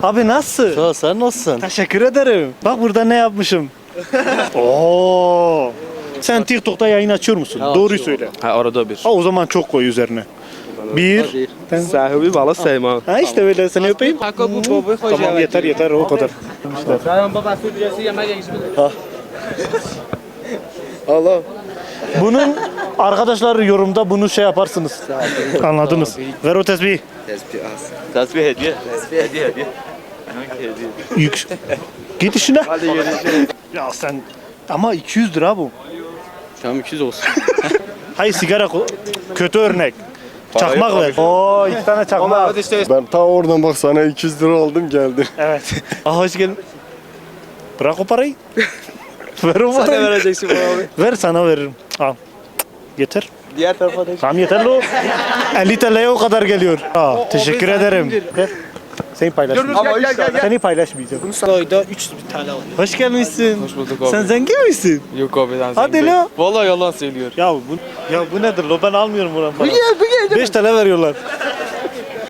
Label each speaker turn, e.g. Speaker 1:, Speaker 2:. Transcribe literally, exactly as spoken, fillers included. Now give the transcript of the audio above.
Speaker 1: Abi nasıl?
Speaker 2: Sağ ol, sen nasılsın?
Speaker 1: Teşekkür ederim. Bak burada ne yapmışım. Oo. Sen TikTok'ta yayın açıyor musun? Doğruyu söyle.
Speaker 3: Ha arada bir.
Speaker 1: Ha o zaman çok koy üzerine. Bir.
Speaker 3: Sahibi bala Seyman.
Speaker 1: Ha işte böyle seni öpeyim.
Speaker 4: Kanka bu baba koca.
Speaker 1: Tamam yeter yeter o kadar.
Speaker 4: Sen babası ücreti yemek geçmedi.
Speaker 3: Allah.
Speaker 1: Bunun arkadaşlar yorumda bunu şey yaparsınız. Anladınız. Ver o tesbihi.
Speaker 2: Tasbih hediye. Tasbih hediye hediye. Hangi hediye?
Speaker 1: Yük. Git işine.
Speaker 3: Hadi görüşürüz.
Speaker 1: Ya sen ama iki yüz lira bu.
Speaker 3: Tamam iki yüz olsun.
Speaker 1: Hayır sigara ko- kötü örnek. Çakmak ver. Oo iki tane çakmak.
Speaker 5: Ben ta oradan bak sana iki yüz lira aldım geldim.
Speaker 1: Evet. Aa hoş geldin. Bırak o parayı. Ver o
Speaker 3: Sen ne
Speaker 1: parayı.
Speaker 3: vereceksin bana abi?
Speaker 1: Ver sana veririm. Al. Yeter.
Speaker 3: Diğer tarafa da.
Speaker 1: Tamam yeter lo. elli T L'ye o kadar geliyor. Aa, teşekkür ederim. Ver. Seni paylaşmayacağım.
Speaker 3: Ama gel gel gel.
Speaker 1: Seni paylaşmayacağım.
Speaker 4: Ayda üç bin T L alıyor.
Speaker 1: Hoş gelmişsin.
Speaker 3: Hoş bulduk abi.
Speaker 1: Sen zengin misin?
Speaker 3: Yok abi ben
Speaker 1: Hadi
Speaker 3: zengin
Speaker 1: lo.
Speaker 3: değilim. Vallahi yalan söylüyor.
Speaker 1: Ya bu ya bu nedir lo ben almıyorum bunu. beş T L veriyorlar.